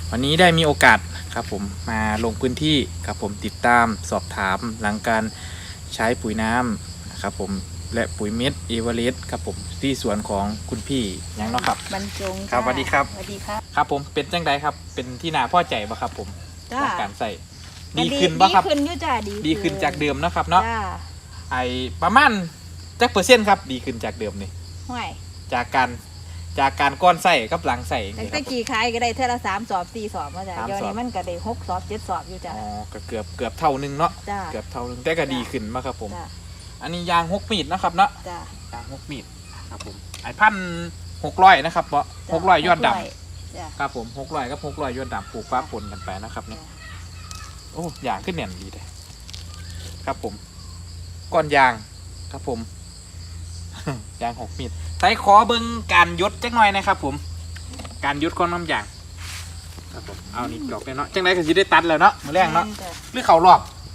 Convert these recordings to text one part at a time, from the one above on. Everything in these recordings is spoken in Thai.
วันนี้ได้มีโอกาสครับผมมาลงพื้นที่ครับผมติดตามสอบถามหลังการใช้ปุ๋ยน้ำนะครับผมและปุ๋ยเม็ดเอเวอเรสต์ครับผมที่สวนของคุณพี่ยังเนาะครับบรรจงครับสวัสดีครับสวัสดีครับครับผมเป็นจังไดครับเป็นที่น่าพอใจบ่ครับผมจ้าหลังการใส่ดีขึ้นบ่ครับดีขึ้นอยู่จ้าดีขึ้นจากเดิมเนาะครับเนาะจ้าไอประมาณจักเปอร์เซ็นต์ครับดีขึ้นจากเดิมนี่ห่วยจากการก้อนใส่กับหลังใส่อย่างแต่นี้คตะรับผมกี้ขายก็ได้เท่าละ3 สอบ 4 สอบมาจ้ะ 3 เดี๋ยวสอบนี้มันก็ได้6 สอบ 7 สอบอยู่จ้ะอ๋อก็เกือบเท่านึงเนาะจ้าเกือบเท่านึงแต่ก็ดีขึ้นมากครับผมจ้าอันนี้ยาง6 มีดนะครับเนาะจ้ายาง6 มีดครับผมไอ1,600นะครับเพราะ600ยอดดจ้าำครับผม600กับ600ยอดดำปลูกฟ้าปนกันไปนะครับเนาะโอ้ยางขึ้นแน่นดีเลยครับผมก้อนยางครับผม ยาง6 มีดใส่ขอเบิ้งการยดจักหน่อยนะครับผมการยดของน้ำยางครับผมเอานี่ดอกเลยเนาะจังไรก็จะได้ตัดแล้วเนาะมือแรงเนาะจ้หรือเขารอบ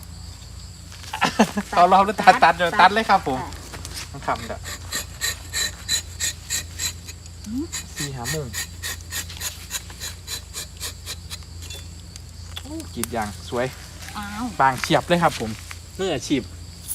เขารอบหรือตัดเดี๋ยวตัดเลยครับผมต้องทำเด้อ4-5 โมงโอ้กรีดยางสวยอ้าวบางเฉียบเลยครับผมมืออาชีพ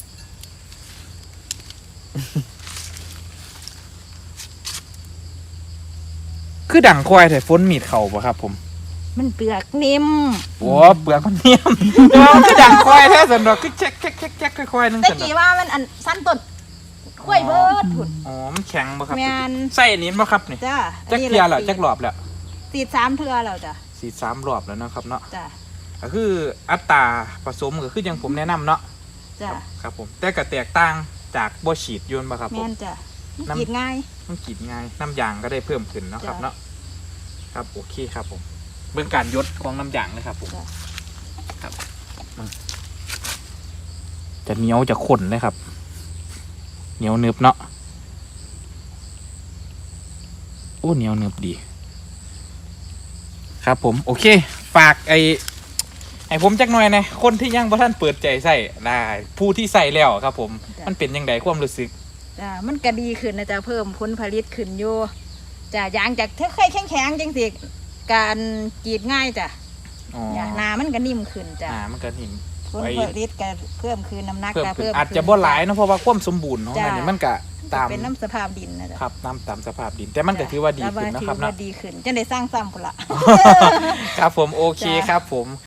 คือดังควายแต่ฝนมีดเข่าปะครับผมมันเปลือกนิ่มโอ้เปลือกมันเนียม คือดังควายแท้สันดอกคือแจ๊กค่อยๆนึงตะสันดอกกี้ว่ามันอันสั้นต้นข้วยเบิดพุ่นอ๋อมันแข็งปะครับแม่นใส่อันนี้ปะครับนี่จ้าจักเทียร์แล้วจักรอบแล้วสีด3 เทื่อแล้วจ้ะ 3 รอบแล้วนะครับเนาะจ้าก็คืออัตราผสมก็คืออย่างผมแนะนำเนาะจ้าครับผมแต่ก็แตกต่างจากบ่ฉีดยนต์ปะครับผแม่มนจ้ะมันน้ำกรีดง่ายมันกรีดง่ายน้ำยางก็ได้เพิ่มขึ้นเนาะครับจ้ะเนาะครับโอเคครับผมเบื้องการยดของน้ำยางเลยครับผมจ้ะครับจะเหนียวจะข้นเลยครับเหนียวเนึบเนาะโอ้เหนียวเนึบดี ครับผมโอเคฝากไอ้ผมจักหน่อยนะคนที่ยังบ่ท่านเปิดใจใส่ได้ผู้ที่ใส่แล้วครับผมมันเป็นยังไงความรู้สึกจ้ามันก็ดีขึ้นนะจ๊ะเพิ่มผลผลิตขึ้นอยู่จ้ะยางจากเธอเคยแข็งๆจังสิการกรีดง่ายจ้ะอ๋อหนามันก็นิ่มขึ้นจ้ะมันก็นิ่มผลผลิตก็เพิ่มขึ้นน้ำหนักเพิ่มก็ขึ้นเพิ่มอาจจะบ่หลายเนาะเพราะว่าความสมบูรณ์ของมันจ้ะนี่มันก็ตามเป็นน้ำสภาพดินนะจ๊ะครับตามสภาพดิน แต่มันก็ถือว่าดีขึ้นแต่นะครับถือว่าเนาะดีขึ้นจะได้สร้างซ้ำพุ่นละครับผมโอเคจ้ะครับผม